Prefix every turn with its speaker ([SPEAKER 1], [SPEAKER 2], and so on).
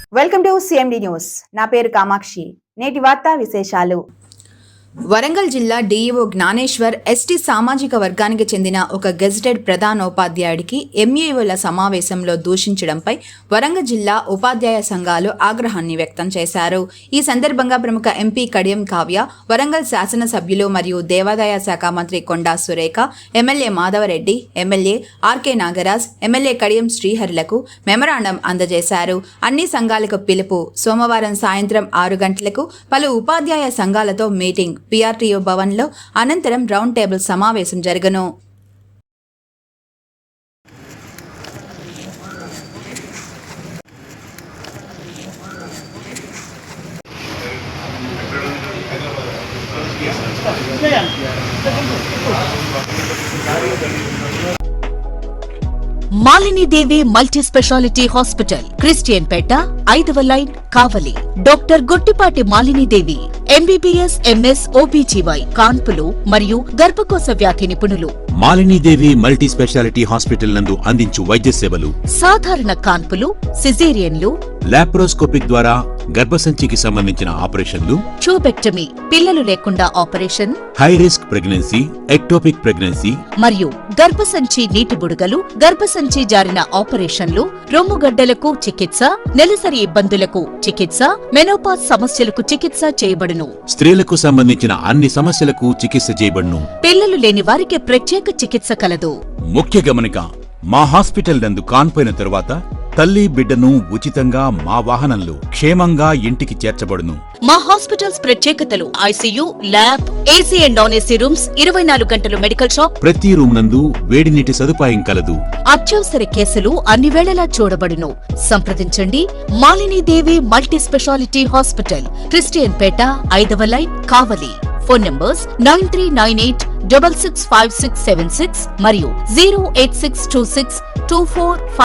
[SPEAKER 1] Welcome to CMD news. నా పేరు కామాక్షి. నేటి వార్తా విశేషాలు. వరంగల్ జిల్లా డీఈఓ జ్ఞానేశ్వర్ ఎస్టీ సామాజిక వర్గానికి చెందిన ఒక గెజిటెడ్ ప్రధానోపాధ్యాయుడికి ఎంఈఓల సమావేశంలో దూషించడంపై వరంగల్ జిల్లా ఉపాధ్యాయ సంఘాలు ఆగ్రహాన్ని వ్యక్తం చేశారు. ఈ సందర్భంగా ప్రముఖ ఎంపీ కడియం కావ్య, వరంగల్ శాసనసభ్యులు మరియు దేవాదాయ శాఖ మంత్రి Konda Surekha, MLA Madhavareddy, MLA RK Nagaraj, MLA Kadiyam శ్రీహరులకు మెమరాండం అందజేశారు. అన్ని సంఘాలకు పిలుపు. సోమవారం సాయంత్రం 6 గంటలకు పలు ఉపాధ్యాయ సంఘాలతో మీటింగ్ PRTO భవన్లో. అనంతరం రౌండ్ టేబుల్ సమావేశం జరగను.
[SPEAKER 2] Malinidevi multi speciality hospital, Christian Peta, 5వ line, Kavali. Doctor Gottipati Malinidevi MBBS MS OBGY కాన్పులు మరియు గర్భకోశ వ్యాధి నిపుణులు.
[SPEAKER 3] మాలినీదేవి మల్టీ స్పెషాలిటీ హాస్పిటల్ నందు అందించు వైద్య సేవలు:
[SPEAKER 2] సాధారణ కాన్పులు, సిజేరియన్లు,
[SPEAKER 3] లాప్రోస్కోపిక్ ద్వారా గర్భసంచికి సంబంధించిన ఆపరేషన్లు,
[SPEAKER 2] ట్యూబెక్టమీ, పిల్లలు లేకుండా operation,
[SPEAKER 3] high risk pregnancy, ectopic pregnancy
[SPEAKER 2] మరియు గర్భసంచి నీటి బుడగలు, గర్భసంచి జారిన ఆపరేషన్లు, రొమ్ముగడ్డలకు చికిత్స, నెలసరి ఇబ్బందులకు చికిత్స, మెనోపాజ్ సమస్యలకు చికిత్స చేయబడును.
[SPEAKER 3] స్త్రీలకు సంబంధించిన అన్ని సమస్యలకు చికిత్స చేయబడును.
[SPEAKER 2] పిల్లలు లేని వారికి ప్రత్యేక చికిత్స కలదు.
[SPEAKER 3] ముఖ్య గమనిక: మా హాస్పిటల్ నందు కాన్పోయిన తరువాత తల్లి బిడ్డను ఉచితంగా మా వాహనంలో క్షేమంగా ఇంటికి చేర్చబడును.
[SPEAKER 2] మా హాస్పిటల్స్ ప్రత్యేకతలు: ICU, lab, AC and non AC rooms, 24 గంటలు మెడికల్ షాప్,
[SPEAKER 3] ప్రతి రూమ్ నందు వేడి నీటి సదుపాయం కలదు.
[SPEAKER 2] అత్యవసర కేసులు అన్ని వేళలా చూడబడును. సంప్రదించండి. Malinidevi multi speciality hospital, Christian Peta, 5వ లైన్, కావలి. ఫోన్ నంబర్స్ 9398665676 మరియు 0862624